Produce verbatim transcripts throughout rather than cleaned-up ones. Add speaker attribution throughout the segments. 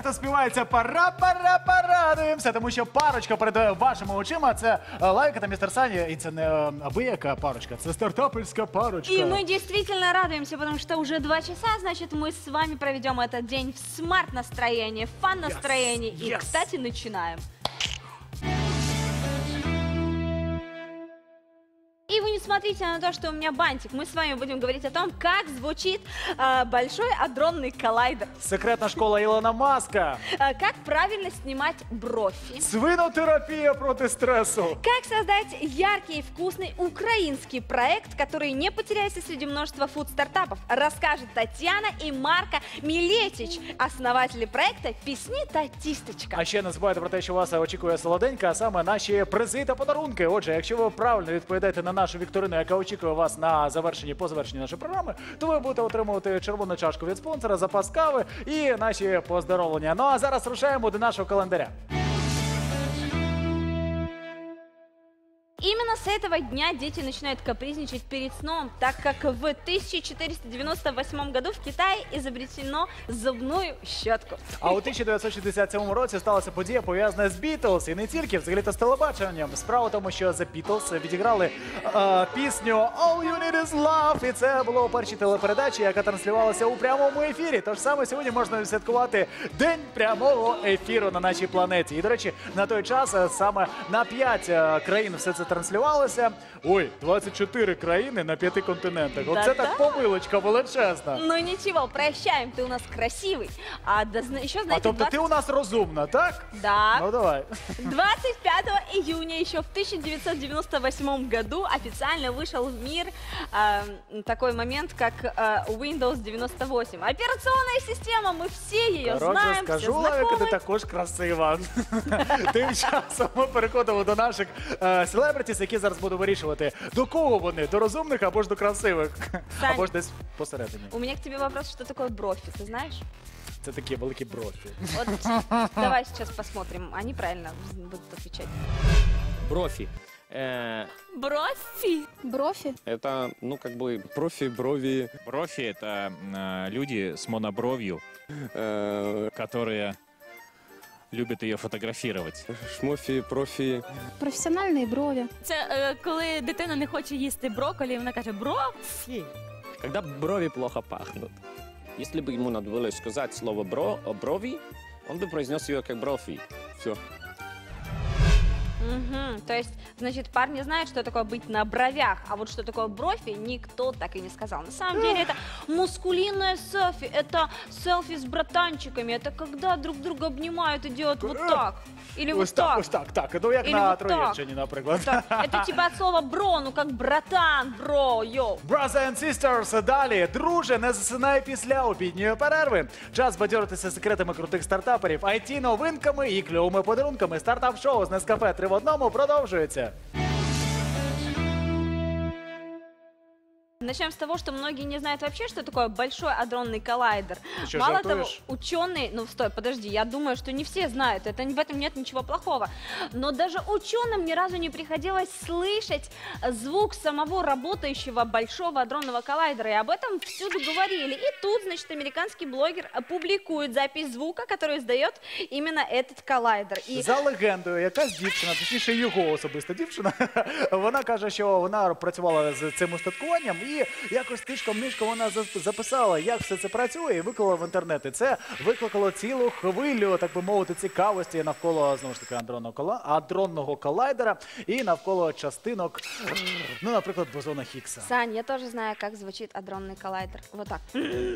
Speaker 1: хто співається пара-пара порадуємося, тому що парочка перед вашими очима. Це Лайка та містер Саня. І це не абияка парочка, це стартапельська парочка.
Speaker 2: И мы действительно радуемся, потому что уже два часа, значит, мы с вами проведем этот день в смарт-настроении, в фан-настроении.
Speaker 1: Yes,
Speaker 2: И,
Speaker 1: yes.
Speaker 2: кстати, начинаем. И вы не смотрите на то, что у меня бантик. Мы с вами будем говорить о том, как звучит э, большой адронный коллайдер.
Speaker 1: Секретна школа Ілона Маска.
Speaker 2: Э, как правильно снимать бровь.
Speaker 1: Свинотерапія проти стресу.
Speaker 2: Как создать яркий и вкусный украинский проект, который не потеряется среди множества фуд-стартапов, расскажет Татьяна и Марко Милетич, основатели проекта «Пісні та тістечка».
Speaker 1: А ще не забувайте про те, що вас очікує солоденька, а саме наші призи та подарунки. Отже, якщо ви правильно відповідаєте на нашу вікторину, яка очікує вас на завершенні, по завершенні нашої програми, то ви будете отримувати червону чашку від спонсора, запас кави і наші поздоровлення. Ну а зараз рушаємо до нашого календаря.
Speaker 2: Именно с этого дня дети начинают капризничать перед сном, так как в тысяча четыреста девяносто восьмом году в Китае изобретено зубную щетку.
Speaker 1: А у тисяча дев'ятсот шістдесят сьомому році сталася подія, пов'язана з Бітлз. І не тільки, взагалі-то з телебаченням. Справа в тому, що The Beatles відіграли е, пісню «All you need is love». І це було у першій телепередачі, яка транслювалася у прямому ефірі. Тож саме сьогодні можна святкувати День прямого ефіру на нашій планеті. І, до речі, на той час е, саме на п'ять е, країн все це транслювалося. Ой, двадцять чотири країни на п'яти континентах. Оце
Speaker 2: Да-да.
Speaker 1: так помилочка величезна.
Speaker 2: Ну ничего, прощаем, ты у нас красивый. А да, зна- еще,
Speaker 1: А
Speaker 2: знаете,
Speaker 1: тобто ти у нас розумна, так?
Speaker 2: Да.
Speaker 1: Ну давай.
Speaker 2: двадцать пятого июня еще в тысяча девятьсот девяносто восьмом году официально вышел в мир э, такой момент, как э, Windows девяносто восемь. Операционная система, мы все ее
Speaker 1: Коротше,
Speaker 2: знаем,
Speaker 1: скажу,
Speaker 2: все
Speaker 1: Лавіка, ти
Speaker 2: знакомы.
Speaker 1: також красива. Тим часом ми переходимо до наших е, селебритіс, які зараз буду вирішувати, до кого вони, до розумних або ж до красивих,
Speaker 2: Сань.
Speaker 1: або ж десь посередині.
Speaker 2: У меня к тебе вопрос, что такое брофи, ты знаешь?
Speaker 1: Це такі великі брофі.
Speaker 2: Вот давай сейчас посмотрим, они правильно будут отвечать.
Speaker 3: Брофи. Э,
Speaker 2: Брофи?
Speaker 4: Брофи?
Speaker 3: Это, ну, как бы, профи, брови,
Speaker 5: Профи – это э, люди с монобровью,
Speaker 3: э,
Speaker 5: которые любят ее фотографировать.
Speaker 3: шмофи, профи.
Speaker 4: Професіональні брові.
Speaker 6: Це е, коли дитина не хоче їсти брокколі, вона каже брофі.
Speaker 3: Когда брови плохо пахнут. Если бы ему надо было сказать слово бро, брови, он бы произнес ее как брофи. Все.
Speaker 2: Угу. То есть, значит, парни знают, что такое быть на бровях, а вот что такое брофи, никто так и не сказал. На самом деле это мускулинное селфи, это селфи с братанчиками, это когда друг друга обнимают и делают вот так. Или вот
Speaker 1: Ось так,
Speaker 2: так.
Speaker 1: ось так, так. Ну як
Speaker 2: Или
Speaker 1: на
Speaker 2: вот так.
Speaker 1: Троєщині, наприклад.
Speaker 2: Так, это типа от слова бро, ну как братан, бро, йоу.
Speaker 1: Brothers and sisters, далі. Друже, не засинай після обідньої перерви. Час бадьоритися секретами крутих стартаперів, ай ті-новинками і кльовими подарунками. Стартап-шоу з Нескафе три в одному продовжується.
Speaker 2: Начнем с того, что многие не знают вообще, что такое большой адронный коллайдер.
Speaker 1: Ты что,
Speaker 2: Мало
Speaker 1: жартуешь?
Speaker 2: того, ученые, ну стой, подожди, я думаю, что не все знают, это, в этом нет ничего плохого. Но даже ученым ни разу не приходилось слышать звук самого работающего большого адронного коллайдера. И об этом всюду говорили. И тут, значит, американский блогер публикует запись звука, который издает именно этот коллайдер. И
Speaker 1: За легендою, якась дівчина, точніше його особиста дівчина, вона каже, що вона працювала з цим устаткуванням і якось тишком-нишком вона за- записала, як все це працює, і виклала в інтернет. І це викликало цілу хвилю, так би мовити, цікавості навколо, знову ж таки, адронного, кола... адронного коллайдера і навколо частинок, ну, наприклад, бозона Хіггса.
Speaker 2: Сань, я тоже знаю, как звучит адронный коллайдер. Вот так.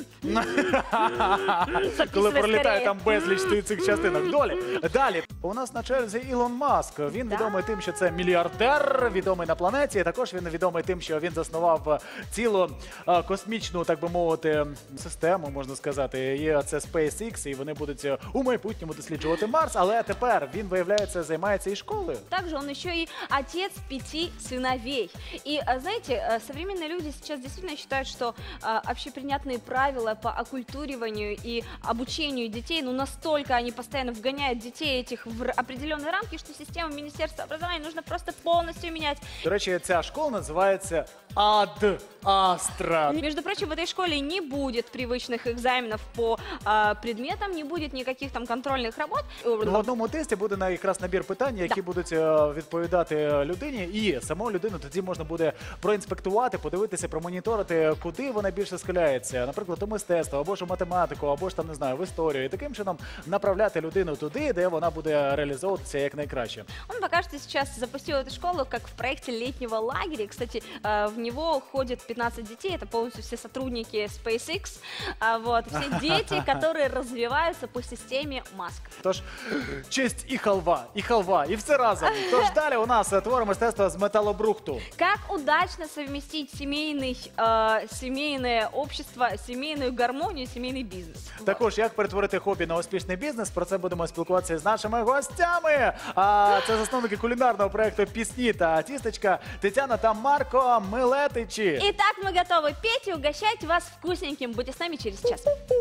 Speaker 1: Коли
Speaker 2: Записывай
Speaker 1: пролітає
Speaker 2: скорее.
Speaker 1: там безліч цих частинок. Долі. Далі. У нас на черзі Ілон Маск. Він
Speaker 2: Да.
Speaker 1: відомий тим, що це мільярдер, відомий на планеті. Також він відомий тим, що він заснував цілу а, космічну, так би мовити, систему, можна сказати. І це SpaceX, і вони будуть у майбутньому досліджувати Марс. Але тепер він, виявляється, займається і школою.
Speaker 2: Также он еще и отец пяти сыновей. И, а, знаете, э, современные люди сейчас действительно считают, что а, общепринятные правила по оккультуриванию и обучению детей, ну настолько они постоянно вгоняют детей этих в р- определенные рамки, что систему Министерства образования нужно просто полностью менять.
Speaker 1: До речі, ця школа називається АД. Астра.
Speaker 2: Между прочим, в этой школе не будет привычных экзаменов по а, предметам, не будет никаких там контрольных работ.
Speaker 1: В одному тесті буде на якраз набір питань, які будуть е, відповідати людині, і саму людину тоді можна буде проінспектувати, подивитися, промоніторити, куди вона більше схиляється, наприклад, у мистецтво, або ж у математику, або ж там не знаю, в історію, і таким чином направляти людину туди, де вона буде реалізовуватися як найкраще.
Speaker 2: Он пока что сейчас запустил эту школу как в проекте летнего лагеря. Кстати, э, в него ходит пятнадцать детей, это полностью все сотрудники SpaceX, а, вот, все дети, которые развиваются по системе Маск.
Speaker 1: Тож честь і халва, і халва, і все разом. Тож далі у нас е, твори мистецтва з металобрухту.
Speaker 2: Как удачно совместить семейный, э, семейное общество, семейную гармонию, семейный бизнес. Вот.
Speaker 1: Також як перетворити хобі на успішний бізнес. Про це будемо спілкуватися з нашими гостями. А це засновники кулінарного проекту «Пісні та тістечка» Тетяна та Марко Милетичі.
Speaker 2: Итак, мы готовы петь и угощать вас вкусненьким. Будьте с нами через час.